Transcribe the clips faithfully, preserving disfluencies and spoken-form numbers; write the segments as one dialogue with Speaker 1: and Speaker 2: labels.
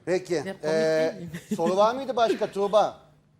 Speaker 1: Peki.
Speaker 2: Ya, komik
Speaker 1: ee,
Speaker 2: değil miyim?
Speaker 1: soru var mıydı başka Tuğba?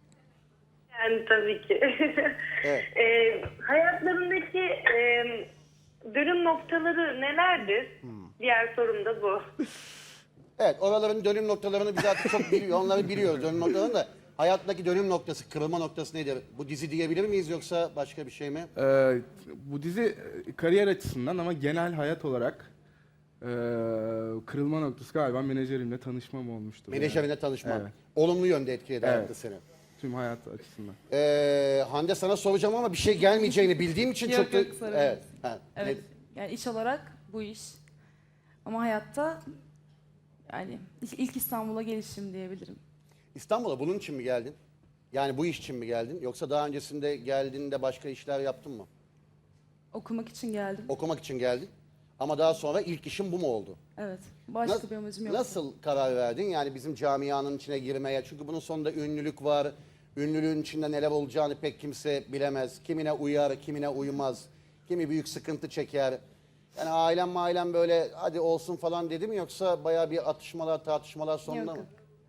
Speaker 3: Yani tabii ki.
Speaker 1: Evet.
Speaker 3: e, hayatlarındaki e, dönüm noktaları nelerdir? Diğer sorum da bu.
Speaker 1: Evet, oraların dönüm noktalarını biz artık çok biliyor, onları biliyoruz dönüm noktalarını da. Hayattaki dönüm noktası, kırılma noktası nedir? Bu dizi diyebilir miyiz yoksa başka bir şey mi?
Speaker 4: Ee, bu dizi e, kariyer açısından ama genel hayat olarak e, kırılma noktası galiba menajerimle tanışmam olmuştu.
Speaker 1: Menajerine tanışma.
Speaker 4: Evet.
Speaker 1: Olumlu yönde etkiledi
Speaker 4: Evet.
Speaker 1: hayatta seni.
Speaker 4: Tüm hayat açısından.
Speaker 1: Ee, Hande sana soracağım ama bir şey gelmeyeceğini bildiğim için
Speaker 2: Yok,
Speaker 1: çok da...
Speaker 2: yok, sorun
Speaker 1: Evet.
Speaker 2: yok.
Speaker 1: Ha,
Speaker 2: Evet. Yani iş olarak bu iş. Ama hayatta yani ilk- ilk İstanbul'a gelişim diyebilirim.
Speaker 1: İstanbul'a bunun için mi geldin? Yani bu iş için mi geldin? Yoksa daha öncesinde geldiğinde başka işler yaptın mı?
Speaker 2: Okumak için geldim.
Speaker 1: Okumak için geldin. Ama daha sonra ilk işin bu mu oldu?
Speaker 2: Evet. Başka
Speaker 1: Nas-
Speaker 2: bir amacım yok.
Speaker 1: Nasıl karar verdin yani bizim camianın içine girmeye? Çünkü bunun sonunda ünlülük var. Ünlülüğün içinde neler olacağını pek kimse bilemez. Kimine uyar, kimine uymaz. Kimi büyük sıkıntı çeker. Yani ailem mailem böyle hadi olsun falan dedi mi yoksa bayağı bir atışmalar tartışmalar sonunda
Speaker 2: Yok,
Speaker 1: mı?
Speaker 2: yok.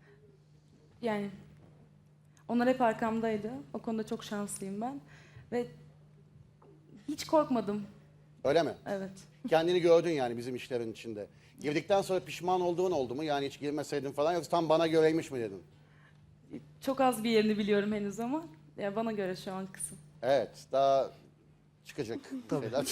Speaker 2: Yani onlar hep arkamdaydı. O konuda çok şanslıyım ben. Ve hiç korkmadım.
Speaker 1: Öyle mi?
Speaker 2: Evet.
Speaker 1: Kendini gördün yani bizim işlerin içinde. Girdikten sonra pişman olduğun oldu mu? Yani hiç girmeseydin falan yoksa tam bana göreymiş mi dedin?
Speaker 2: Çok az bir yerini biliyorum henüz ama ya bana göre şu an kısım.
Speaker 1: Evet, daha çıkacak. Şeyler.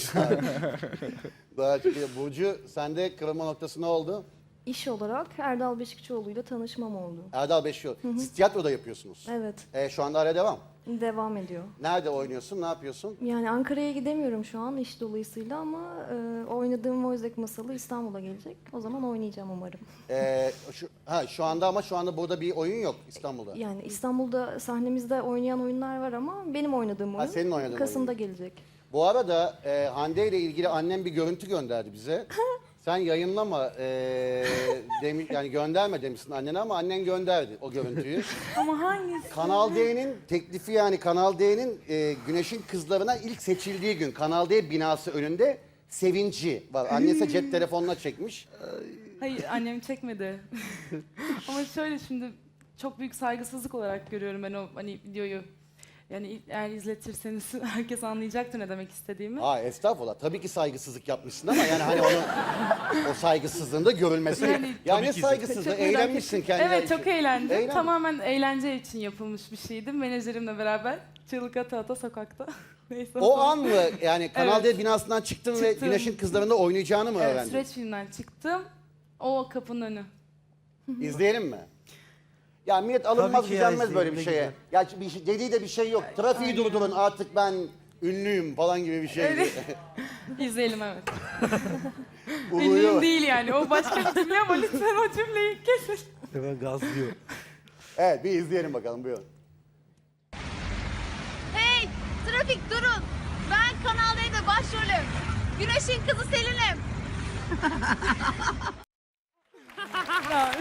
Speaker 1: Daha çıkacak. Burcu, sende kırılma noktası ne oldu?
Speaker 5: İş olarak Erdal Beşikçioğlu'yla tanışmam oldu.
Speaker 1: Erdal Beşiyor. Siz tiyatroda yapıyorsunuz.
Speaker 5: Evet,
Speaker 1: Ee, şu anda hala devam.
Speaker 5: devam ediyor.
Speaker 1: Nerede oynuyorsun, ne yapıyorsun?
Speaker 5: Yani Ankara'ya gidemiyorum şu an iş dolayısıyla ama e, oynadığım Voice masalı İstanbul'a gelecek. O zaman oynayacağım umarım.
Speaker 1: Ee, şu, ha, şu anda ama şu anda burada bir oyun yok İstanbul'da.
Speaker 5: Yani İstanbul'da sahnemizde oynayan oyunlar var ama benim oydığım
Speaker 1: Ha,
Speaker 5: oyun
Speaker 1: senin oynadığın
Speaker 5: Kasım'da
Speaker 1: oyun.
Speaker 5: gelecek.
Speaker 1: Bu arada e, Hande ile ilgili annem bir görüntü gönderdi bize. Sen yayınlama, e, demi, yani gönderme demişsin annene ama annen gönderdi o görüntüyü.
Speaker 2: Ama hangisi?
Speaker 1: Kanal D'nin teklifi yani Kanal D'nin e, Güneş'in kızlarına ilk seçildiği gün Kanal D binası önünde sevinci var. Annesi cep telefonuna çekmiş.
Speaker 2: Hayır, annem çekmedi. Ama şöyle şimdi çok büyük saygısızlık olarak görüyorum ben o hani videoyu. Yani eğer izletirseniz herkes anlayacaktır ne demek istediğimi.
Speaker 1: Aa estağfurullah. Tabii ki saygısızlık yapmışsın ama yani hani onun o saygısızlığın da görülmesi.
Speaker 2: Yani-
Speaker 1: Yani,
Speaker 2: Çok
Speaker 1: saygısızlığı
Speaker 2: merak
Speaker 1: eğlenmişsin
Speaker 2: ettim.
Speaker 1: kendine.
Speaker 2: Evet, çok eğlendim.
Speaker 1: Eğlen-
Speaker 2: Tamamen eğlence için yapılmış bir şeydi. Menajerimle beraber çığlık ata ata sokakta. Neyse.
Speaker 1: O an mı yani Kanal
Speaker 2: Evet.
Speaker 1: D binasından çıktın ve
Speaker 2: Çıktım.
Speaker 1: Güneş'in kızlarında oynayacağını mı
Speaker 2: Evet,
Speaker 1: öğrendin?
Speaker 2: süreç filmden çıktım. O kapının önü.
Speaker 1: İzleyelim mi? Ya millet alınmaz
Speaker 6: Tabii ki ya,
Speaker 1: gücenmez böyle bir
Speaker 6: izleyelim,
Speaker 1: şeye.
Speaker 6: ne
Speaker 1: Ya bir şey, dediği de bir şey yok. Trafiği durdurun artık ben ünlüyüm falan gibi bir şey.
Speaker 2: Öyle. İzleyelim evet.
Speaker 1: Uluyor.
Speaker 2: Ünlüyüm değil yani. O başka bir cümle ama lütfen o cümleyi kesin.
Speaker 6: Hemen gazlıyor.
Speaker 1: Evet bir izleyelim bakalım buyurun.
Speaker 7: Hey! Trafik durun! Ben Kanal D'de başrolüm. Güneş'in kızı Selin'im.
Speaker 2: Ya.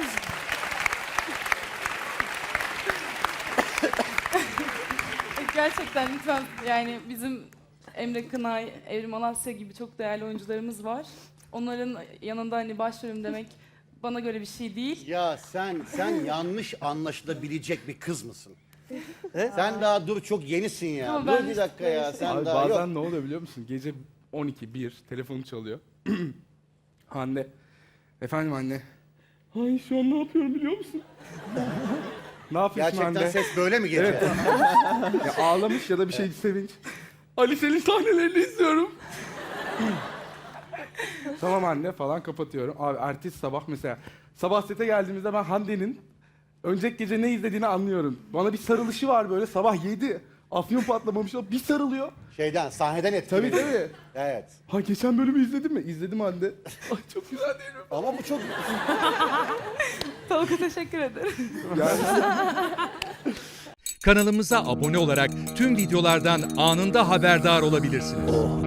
Speaker 2: Gerçekten lütfen yani bizim Emre Kınay, Evrim Alasya gibi çok değerli oyuncularımız var. Onların yanında hani başrolüm demek bana göre bir şey değil.
Speaker 1: Ya sen sen yanlış anlaşılabilecek bir kız mısın? Sen daha dur çok yenisin ya.
Speaker 2: Ama
Speaker 1: dur
Speaker 2: ben
Speaker 1: bir dakika ya sen
Speaker 4: Abi
Speaker 1: daha
Speaker 4: bazen
Speaker 1: yok.
Speaker 4: ne oluyor biliyor musun? Gece on iki bir telefonu çalıyor. Hande. Efendim anne. Ay şu an ne yapıyorum biliyor musun? Ne yapıyorsun
Speaker 1: Gerçekten
Speaker 4: Hande?
Speaker 1: ses böyle mi gece?
Speaker 4: Ya ağlamış ya da bir şey sevinç. Ali senin sahnelerini izliyorum. Tamam anne falan kapatıyorum. Abi ertesi sabah mesela sabah sete geldiğimizde ben Hande'nin önceki gece ne izlediğini anlıyorum. Bana bir sarılışı var böyle sabah yedi. Afyon patlamamış o bir sarılıyor.
Speaker 1: Şeyden sahneden etkiledi.
Speaker 4: Tabii tabii.
Speaker 1: Evet.
Speaker 4: Ha geçen bölümü izledin mi? İzledim Hande. Ay çok güzel değil mi?
Speaker 1: Ama bu çok
Speaker 2: Tolga teşekkür ederim.
Speaker 8: Kanalımıza abone olarak tüm videolardan anında haberdar olabilirsiniz.